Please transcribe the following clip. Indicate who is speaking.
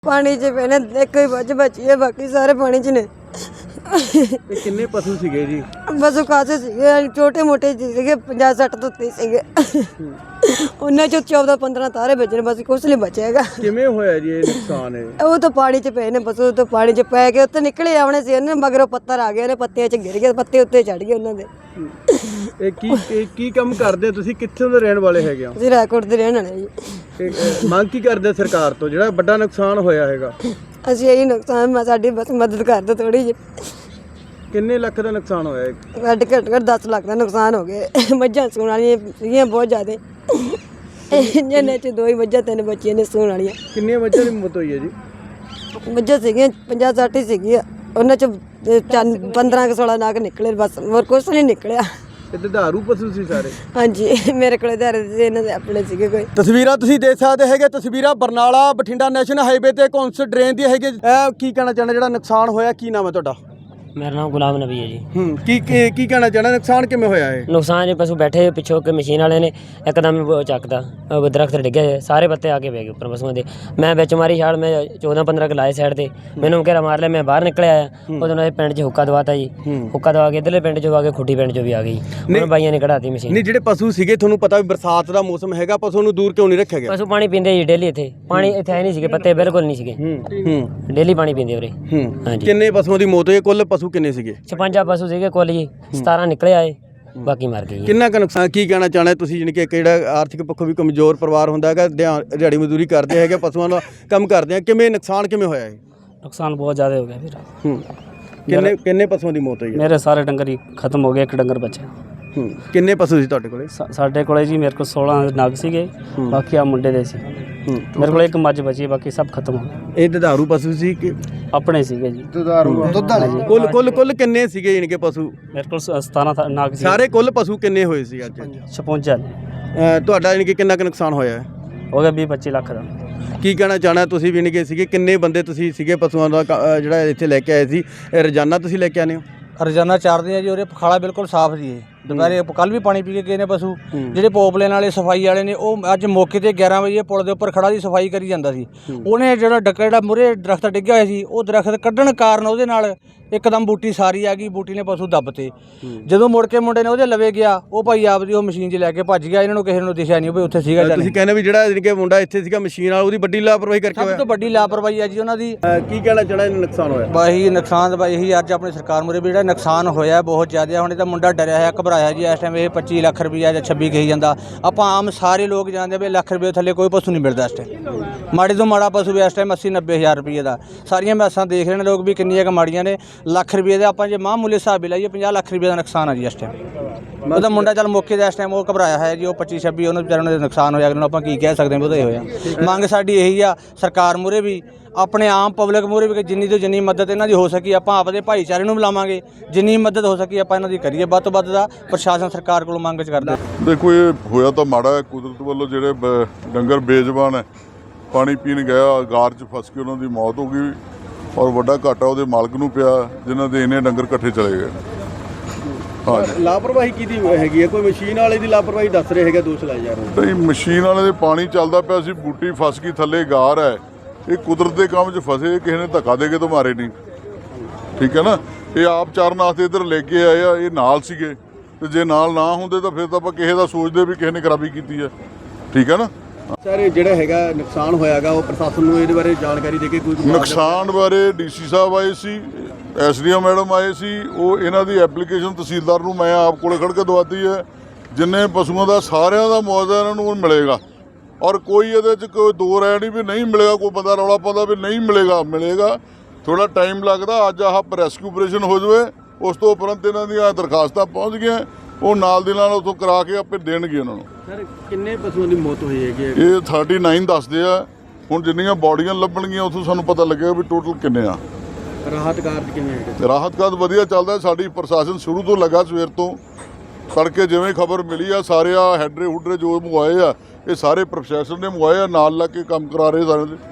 Speaker 1: पानी च पहले एक ही बची है, बाकी सारे पानी च ने।
Speaker 2: किन्ने पशु सीगे जी?
Speaker 1: पशु खासे सीगे, छोटे मोटे सीगे, 50-60 तो उत्ते सीगे। उन्हें जो 14-15 तारे बचे ने, बस कुछ नहीं बचेगा।
Speaker 2: किवें होया जी ये नुकसान है?
Speaker 1: वो तो पानी च पे ने पशु, तो पानी च पै के उत्ते निकले आने से मगरों पत्थर आ गए ने, पत्ते च गिर गए, पत्ते उत्ते चढ़ गए उन्होंने।
Speaker 2: ਕੀ ਕੰਮ ਕਰਦੇ ਹੋ ਤੁਸੀਂ? ਕਿੱਥੋਂ ਦੇ ਰਹਿਣ ਵਾਲੇ ਹੈਗੇ ਹੋ?
Speaker 1: ਅਸੀਂ ਰਾਏਕੋਟ ਦੇ ਰਹਿਣ ਵਾਲੇ ਜੀ।
Speaker 2: ਮੰਗ ਕੀ ਕਰਦੇ ਸਰਕਾਰ ਤੋਂ ਜਿਹੜਾ ਵੱਡਾ ਨੁਕਸਾਨ ਹੋਇਆ ਹੈਗਾ?
Speaker 1: ਅਸੀਂ ਇਹੀ ਨੁਕਸਾਨ ਸਾਡੀ ਬਸ ਮਦਦ ਕਰ ਦਿਓ ਥੋੜੀ ਜਿਹੀ।
Speaker 2: ਕਿੰਨੇ ਲੱਖ ਦਾ ਨੁਕਸਾਨ ਹੋਇਆ ਹੈ?
Speaker 1: ਸਾਡੇ ਘੱਟ 10 ਲੱਖ ਦਾ ਨੁਕਸਾਨ ਹੋ ਗਿਆ। ਮੱਝਾਂ ਸੂਣ ਵਾਲੀਆਂ ਸੀਗੀਆਂ ਬਹੁਤ ਜ਼ਿਆਦਾ, ਜਿਹਨੇ ਚ 2 ਹੀ ਮੱਝਾਂ 3 ਬੱਚੀਆਂ ਨੇ ਸੂਣ ਵਾਲੀਆਂ।
Speaker 2: ਕਿੰਨੀਆਂ ਮੱਝਾਂ ਦੀ ਮੌਤ ਹੋਈ ਹੈ ਜੀ?
Speaker 1: ਮੱਝਾਂ ਸੀਗੀਆਂ 50-60 ਸੀਗੀਆਂ, ਉਹਨਾਂ ਚ 15-16 ਨਾਗ ਨਿਕਲੇ, ਬਸ ਹੋਰ ਕੁਛ ਨਹੀਂ ਨਿਕਲਿਆ।
Speaker 2: ਇਹ ਦੁਧਾਰੂ ਪਸ਼ੂ ਸੀ ਸਾਰੇ?
Speaker 1: ਹਾਂਜੀ, ਮੇਰੇ ਕੋਲੇ ਧਾਰੇ ਸੀ, ਇਹਨਾਂ ਦੇ ਆਪਣੇ ਸੀਗੇ ਕੋਈ।
Speaker 2: ਤਸਵੀਰਾਂ ਤੁਸੀਂ ਦੇਖ ਸਕਦੇ ਹੈਗੇ, ਤਸਵੀਰਾਂ ਬਰਨਾਲਾ ਬਠਿੰਡਾ ਨੈਸ਼ਨਲ ਹਾਈਵੇ ਤੇ ਕੌਂਸ ਡਰੇਨ ਦੀ ਹੈਗੇ। ਕੀ ਕਹਿਣਾ ਚਾਹੁੰਦੇ ਜਿਹੜਾ ਨੁਕਸਾਨ ਹੋਇਆ? ਕੀ ਨਾਮ ਹੈ ਤੁਹਾਡਾ?
Speaker 3: मेरा नाम गुलाम नबी है जी।
Speaker 2: ਕੀ ਕਹਿਣਾ ਚਾਹੁੰਦੇ? ਨੁਕਸਾਨ ਕਿਵੇਂ ਹੋਇਆ ਹੈ?
Speaker 3: नुकसान जी पशु बैठे पिछों के मशीन वाले ने एकदम चकता दरख्त डिगे, सारे पत्ते आके बह गए उपर पशुओं के। मैं बिच मारी छाड़, मैं 14-15 के लाए साइड से, मैंने घेरा मार लिया, मैं बाहर निकल आया। उदों पिंड च हुक्का दवाता जी, हुक्का दवा के इधरले पिंड चों आ के खुट्टी पिंड चों भी आ गई, उन्होंने बाइयां ने कढ़ाती मशीन।
Speaker 2: ਨਹੀਂ ਜਿਹੜੇ ਪਸ਼ੂ ਸੀਗੇ, ਤੁਹਾਨੂੰ ਪਤਾ ਵੀ ਬਰਸਾਤ ਦਾ ਮੌਸਮ ਹੈਗਾ, ਪਸ਼ੂ ਨੂੰ ਦੂਰ ਕਿਉਂ ਨਹੀਂ ਰੱਖਿਆ ਗਿਆ?
Speaker 3: पशु पानी पींदे जी डेली, इत्थे पानी इत्थे है नहीं सीगे, पत्ते बिल्कुल नहीं सीगे, डेली पानी पींदे उरे। हाँ जी।
Speaker 2: ਕਿੰਨੇ ਪਸ਼ੂਆਂ ਦੀ ਮੌਤ ਹੋਈ? ਕੁੱਲ ਪਸ਼ੂ ਕਿੰਨੇ ਸੀਗੇ?
Speaker 3: 56 पशु सीगे कुल जी, 17 निकले आए, बाकी मर गए जी।
Speaker 2: ਕਿੰਨਾ ਕੁ ਨੁਕਸਾਨ? ਕੀ ਕਹਿਣਾ ਚਾਹੁੰਦੇ ਤੁਸੀਂ? ਜਾਣੀ ਕਿ ਜਿਹੜਾ ਆਰਥਿਕ ਪੱਖੋਂ ਵੀ ਕਮਜ਼ੋਰ ਪਰਿਵਾਰ ਹੁੰਦਾ ਹੈਗਾ, ਦਿਹਾੜੀ ਮਜ਼ਦੂਰੀ ਕਰਦੇ ਹੈਗੇ, ਪਸ਼ੂਆਂ ਦਾ ਕੰਮ ਕਰਦੇ ਆ, ਕਿਵੇਂ ਨੁਕਸਾਨ ਕਿਵੇਂ ਹੋਇਆ ਹੈ?
Speaker 4: नुकसान बहुत ज़्यादा हो गया फिर।
Speaker 2: ਕਿੰਨੇ ਪਸ਼ੂਆਂ ਦੀ ਮੌਤ ਹੋਈ ਹੈ?
Speaker 4: मेरे सारे डंगर ही खत्म हो गए, एक डंगर बचे।
Speaker 2: ਕਿੰਨੇ ਪਸ਼ੂ ਸੀ ਤੁਹਾਡੇ ਕੋਲੇ?
Speaker 4: साढ़े को जी मेरे को 16 नाग सीगे, बाकी आ मुंडे दे सी। मेरे को एक मझ बची, बाकी सब खत्म हो गए।
Speaker 2: ਇਹ ਦੁਧਾਰੂ ਪਸ਼ੂ ਸੀ ਕਿ
Speaker 4: अपने सीगे जी।
Speaker 2: ਕੁੱਲ ਕਿੰਨੇ ਸੀਗੇ ਜਾਣੀ ਕਿ ਪਸ਼ੂ?
Speaker 4: मेरे को 17 नाग सी।
Speaker 2: ਸਾਰੇ ਕੁੱਲ ਪਸ਼ੂ ਕਿੰਨੇ ਹੋਏ ਸੀ ਅੱਜ?
Speaker 4: 56
Speaker 2: ਤੁਹਾਡਾ ਜਾਣੀ ਕਿ ਕਿੰਨਾ ਕੁ ਨੁਕਸਾਨ ਹੋਇਆ ਹੈ?
Speaker 4: हो गया 20-25 लाख का।
Speaker 2: ਕੀ ਕਹਿਣਾ ਚਾਹਣਾ ਤੁਸੀਂ? ਵੀ ਕਿ ਸੀਗੇ ਕਿੰਨੇ ਬੰਦੇ ਤੁਸੀਂ ਸੀਗੇ ਪਸ਼ੂਆਂ ਦਾ ਜਿਹੜਾ ਇੱਥੇ ਲੈ ਕੇ ਆਏ ਸੀ? ਇਹ ਰੋਜ਼ਾਨਾ ਤੁਸੀਂ ਲੈ ਕੇ ਆਉਂਦੇ ਹੋ?
Speaker 5: ਰੋਜ਼ਾਨਾ ਚਾਰਦੇ ਆ ਜੀ। ਉਰੇ ਪਖਾਲਾ ਬਿਲਕੁਲ ਸਾਫ਼ ਜੀ। ਦੁਪਹਿਰੇ ਕੱਲ ਵੀ ਪਾਣੀ ਪੀ ਕੇ ਗਏ ਨੇ ਪਸ਼ੂ। ਜਿਹੜੇ ਪੋਪਲੇਨ ਵਾਲੇ ਸਫਾਈ ਵਾਲੇ ਨੇ, ਉਹ ਅੱਜ ਮੌਕੇ ਤੇ 11 ਵਜੇ ਪੁਲ ਦੇ ਉੱਪਰ ਖੜਾ ਦੀ ਸਫਾਈ ਕਰੀ ਜਾਂਦਾ ਸੀ। ਉਹਨੇ ਜਿਹੜਾ ਜਿਹੜਾ ਮੂਹਰੇ ਦਰਖਤ ਡਿੱਗਿਆ ਹੋਇਆ ਸੀ, ਉਹ ਦਰਖਤ ਕੱਢਣ ਕਾਰਨ ਉਹਦੇ ਨਾਲ ਇੱਕਦਮ ਬੂਟੀ ਸਾਰੀ ਆ ਗਈ, ਬੂਟੀ ਨੇ ਪਸ਼ੂ ਦੱਬਤੇ। ਜਦੋਂ ਮੁੜ ਕੇ ਮੁੰਡੇ ਨੇ ਉਹਦੇ ਲਵੇ ਗਿਆ, ਉਹ ਭਾਈ ਆਪਦੀ ਉਹ ਮਸ਼ੀਨ 'ਚ ਲੈ ਕੇ ਭੱਜ ਗਿਆ। ਇਹਨਾਂ ਨੂੰ ਕਿਸੇ ਨੂੰ ਦਿਖਿਆ ਨਹੀਂ ਵੀ ਉੱਥੇ ਸੀਗਾ।
Speaker 2: ਤੁਸੀਂ ਕਹਿੰਦੇ ਵੀ ਜਿਹੜਾ ਜਾਣੀ ਕਿ ਮੁੰਡਾ ਇੱਥੇ ਸੀਗਾ ਮਸ਼ੀਨ ਵਾਲਾ, ਉਹਦੀ ਵੱਡੀ ਲਾਪਰਵਾਹੀ ਕਰਕੇ
Speaker 5: ਸਭ
Speaker 2: ਹੋਇਆ?
Speaker 5: ਤੋਂ ਵੱਡੀ ਲਾਪਰਵਾਹੀ ਆ ਜੀ ਉਹਨਾਂ ਦੀ।
Speaker 2: ਕੀ ਕਹਿਣਾ ਚਾਹਣਾ? ਨੁਕਸਾਨ ਹੋਇਆ
Speaker 5: ਬਾਈ ਨੁਕਸਾਨ ਬਾਈ ਇਹੀ ਅੱਜ ਆਪਣੀ ਸਰਕਾਰ ਮੁਰੇ ਵੀ ਜਿਹੜਾ ਨੁਕਸਾਨ ਹੋਇਆ ਬਹੁਤ ਜ਼ਿਆਦਾ। ਹੁਣ ਇਹ ਤਾਂ ਮੁੰਡਾ ਡਰਿਆ ਹੋਇਆ, ਘਬਰਾਇਆ ਜੀ। ਇਸ ਟਾਈਮ ਇਹ 25 ਲੱਖ ਰੁਪਈਆ ਜਾਂ 26 ਕਹੀ ਜਾਂਦਾ। ਆਪਾਂ ਆਮ ਸਾਰੇ ਲੋਕ ਜਾਣਦੇ ਵੀ ਲੱਖ ਰੁਪਏ ਥੱਲੇ ਕੋਈ ਪਸ਼ੂ ਨਹੀਂ ਮਿਲਦਾ ਇਸ ਟਾਈਮ। ਮਾੜੇ ਤੋਂ ਮਾੜਾ ਪਸ਼ੂ ਵੀ ਇਸ ਟਾਈਮ 80-90 ਹਜ਼ਾਰ ਰੁਪਈਏ ਦਾ। ਸਾਰੀਆਂ ਮੈਸਾਂ ਦੇਖ ਰਹੇ ਨੇ ਲੋਕ ਵੀ ਕਿੰਨੀਆਂ ਕੁ ਮਾੜੀਆਂ ਨੇ। ਲੱਖ ਰੁਪਈਏ ਦਾ ਆਪਾਂ ਜੇ ਮਾਮੂਲੀ ਹਿਸਾਬ ਵੀ ਲਾਈਏ 50 ਲੱਖ ਰੁਪਈਏ ਦਾ ਨੁਕਸਾਨ ਆ ਜੀ ਇਸ ਟਾਈਮ। ਉਹਦਾ ਮੁੰਡਾ ਚੱਲ ਮੌਕੇ ਦਾ ਇਸ ਟਾਈਮ ਉਹ ਘਬਰਾਇਆ ਹੈ ਜੀ। ਉਹ 25-26 ਉਹਨੂੰ ਵਿਚਾਰੇ ਨੂੰ ਨੁਕਸਾਨ ਹੋਇਆ, ਉਹਨੂੰ ਆਪਾਂ ਕੀ ਕਹਿ ਸਕਦੇ ਹਾਂ, ਉਹਦਾ ਹੀ ਹੋਇਆ। ਮੰਗ ਸਾਡੀ ਇਹੀ ਆ ਸਰਕਾਰ ਮੂਹਰੇ ਵੀ, ਆਪਣੇ ਆਮ ਪਬਲਿਕ ਮੂਹਰੇ ਵੀ, ਕਿ ਜਿੰਨੀ ਤੋਂ ਜਿੰਨੀ ਮਦਦ ਇਹਨਾਂ ਦੀ ਹੋ ਸਕੀ ਆਪਾਂ ਆਪਦੇ ਭਾਈਚਾਰੇ ਨੂੰ ਬੁਲਾਵਾਂਗੇ। ਜਿੰਨੀ ਮਦਦ ਹੋ ਸਕੀ ਆਪਾਂ ਇਹਨਾਂ ਦੀ ਕਰੀਏ। ਵੱਧ ਤੋਂ ਵੱਧ ਦਾ ਪ੍ਰਸ਼ਾਸਨ ਸਰਕਾਰ ਕੋਲੋਂ ਮੰਗ ਕਰਦੇ।
Speaker 6: ਦੇਖੋ ਇਹ ਹੋਇਆ ਤਾਂ ਮਾੜਾ ਹੈ। ਕੁਦਰਤ ਵੱਲੋਂ ਜਿਹੜੇ ਡੰਗਰ ਬੇਜ਼ਬਾਨ ਹੈ, ਪਾਣੀ ਪੀਣ ਗਿਆ, ਗਾਰ 'ਚ ਫਸ ਕੇ ਉਹਨਾਂ ਦੀ ਮੌਤ ਹੋ ਗਈ, ਔਰ ਵੱਡਾ ਘਾਟਾ ਉਹਦੇ ਮਾਲਕ ਨੂੰ ਪਿਆ, ਜਿਨ੍ਹਾਂ ਦੇ ਇੰਨੇ ਡੰਗਰ ਇਕੱਠੇ ਚਲੇ ਗਏ। ਹਾਂਜੀ,
Speaker 2: ਲਾਪਰਵਾਹੀ ਕਿਹਦੀ ਹੈਗੀ ਹੈ? ਕੋਈ ਮਸ਼ੀਨ ਵਾਲੇ ਦੀ ਲਾਪਰਵਾਹੀ ਦੱਸ ਰਹੇ ਹੈਗੇ, ਦੋਸ਼ ਲਾਏ ਜਾ ਰਹੇ?
Speaker 6: ਨਹੀਂ, ਮਸ਼ੀਨ ਵਾਲੇ ਦੇ ਪਾਣੀ ਚੱਲਦਾ ਪਿਆ ਸੀ, ਬੂਟੀ ਫਸ ਗਈ, ਥੱਲੇ ਗਾਰ ਹੈ। ਇਹ ਕੁਦਰਤ ਦੇ ਕੰਮ 'ਚ ਫਸੇ, ਕਿਸੇ ਨੇ ਧੱਕਾ ਦੇ ਕੇ ਤਾਂ ਮਾਰੇ ਨਹੀਂ। ਠੀਕ ਹੈ ਨਾ? ਇਹ ਆਪ ਚਾਰਨ ਵਾਸਤੇ ਇੱਧਰ ਲੈ ਕੇ ਆਏ ਆ, ਇਹ ਨਾਲ ਸੀਗੇ, ਤੇ ਜੇ ਨਾਲ ਨਾ ਹੁੰਦੇ ਤਾਂ ਫਿਰ ਤਾਂ ਆਪਾਂ ਕਿਸੇ ਦਾ ਸੋਚਦੇ ਵੀ ਕਿਸੇ ਨੇ ਖਰਾਬੀ ਕੀਤੀ ਹੈ। ਠੀਕ ਹੈ ਨਾ?
Speaker 2: ਸਰ ਜਿਹੜਾ ਹੈਗਾ ਨੁਕਸਾਨ ਹੋਇਆਗਾ, ਉਹ ਪ੍ਰਸ਼ਾਸਨ ਨੂੰ ਇਹਦੇ ਬਾਰੇ ਜਾਣਕਾਰੀ ਦੇ ਕੇ ਕੋਈ
Speaker 6: ਨੁਕਸਾਨ ਬਾਰੇ ਡੀਸੀ ਸਾਹਿਬ ਆਏ ਸੀ, ਐਸਡੀਐਮ ਮੈਡਮ ਆਏ ਸੀ। ਉਹ ਇਹਨਾਂ ਦੀ ਐਪਲੀਕੇਸ਼ਨ ਤਹਿਸੀਲਦਾਰ ਨੂੰ ਮੈਂ ਆਪ ਕੋਲੇ ਖੜ ਕੇ ਦਵਾਤੀ ਹੈ। ਜਿੰਨੇ ਪਸ਼ੂਆਂ ਦਾ ਸਾਰਿਆਂ ਦਾ ਮੁਆਵਜ਼ਾ ਇਹਨਾਂ ਨੂੰ ਮਿਲੇਗਾ, ਔਰ ਕੋਈ ਇਹਦੇ 'ਚ ਕੋਈ ਦੋ ਰਾਏ ਨਹੀਂ ਵੀ ਨਹੀਂ ਮਿਲੇਗਾ। ਕੋਈ ਬੰਦਾ ਰੌਲਾ ਪਾਉਂਦਾ ਵੀ ਨਹੀਂ ਮਿਲੇਗਾ, ਮਿਲੇਗਾ। ਥੋੜਾ ਟਾਈਮ ਲੱਗਦਾ। ਅੱਜ ਆਹ ਰੈਸਕਿਊ ਆਪਰੇਸ਼ਨ ਹੋ ਜਾਵੇ, ਉਸ ਤੋਂ ਉਪਰੰਤ ਇਹਨਾਂ ਦੀਆਂ ਦਰਖਾਸਤਾਂ ਪਹੁੰਚ ਗਈਆਂ, ਉਹ ਨਾਲ ਦੀ ਨਾਲ ਉੱਥੋਂ ਕਰਾ ਕੇ ਆਪੇ ਦੇਣਗੇ ਉਹਨਾਂ ਨੂੰ।
Speaker 2: ਸਰ ਕਿੰਨੇ ਪਸ਼ੂਆਂ ਦੀ ਮੌਤ ਹੋਈ ਹੈਗੀ?
Speaker 6: ਇਹ 39 ਦੱਸਦੇ ਆ। ਹੁਣ ਜਿੰਨੀਆਂ ਬੋਡੀਆਂ ਲੱਭਣਗੀਆਂ ਉੱਥੋਂ ਸਾਨੂੰ ਪਤਾ ਲੱਗੇਗਾ ਵੀ ਟੋਟਲ ਕਿੰਨੇ ਆ।
Speaker 2: ਰਾਹਤ ਕਾਰਜ ਕਿਵੇਂ ਹੈਗੇ?
Speaker 6: ਰਾਹਤ ਕਾਰਜ ਵਧੀਆ ਚੱਲਦਾ। ਸਾਡੀ ਪ੍ਰਸ਼ਾਸਨ ਸ਼ੁਰੂ ਤੋਂ ਲੱਗਾ, ਸਵੇਰ ਤੋਂ ਤੜਕੇ ਜਿਵੇਂ ਖਬਰ ਮਿਲੀ ਆ, ਸਾਰੇ ਆ ਹੈਡਰੇ ਹੁਡਰੇ ਜੋ ਮੰਗਵਾਏ ਆ, ਇਹ ਸਾਰੇ ਪ੍ਰਸ਼ਾਸਨ ਨੇ ਮੰਗਵਾਏ ਆ, ਨਾਲ ਲੱਗ ਕੇ ਕੰਮ ਕਰਾ ਰਹੇ ਸਾਰੇ।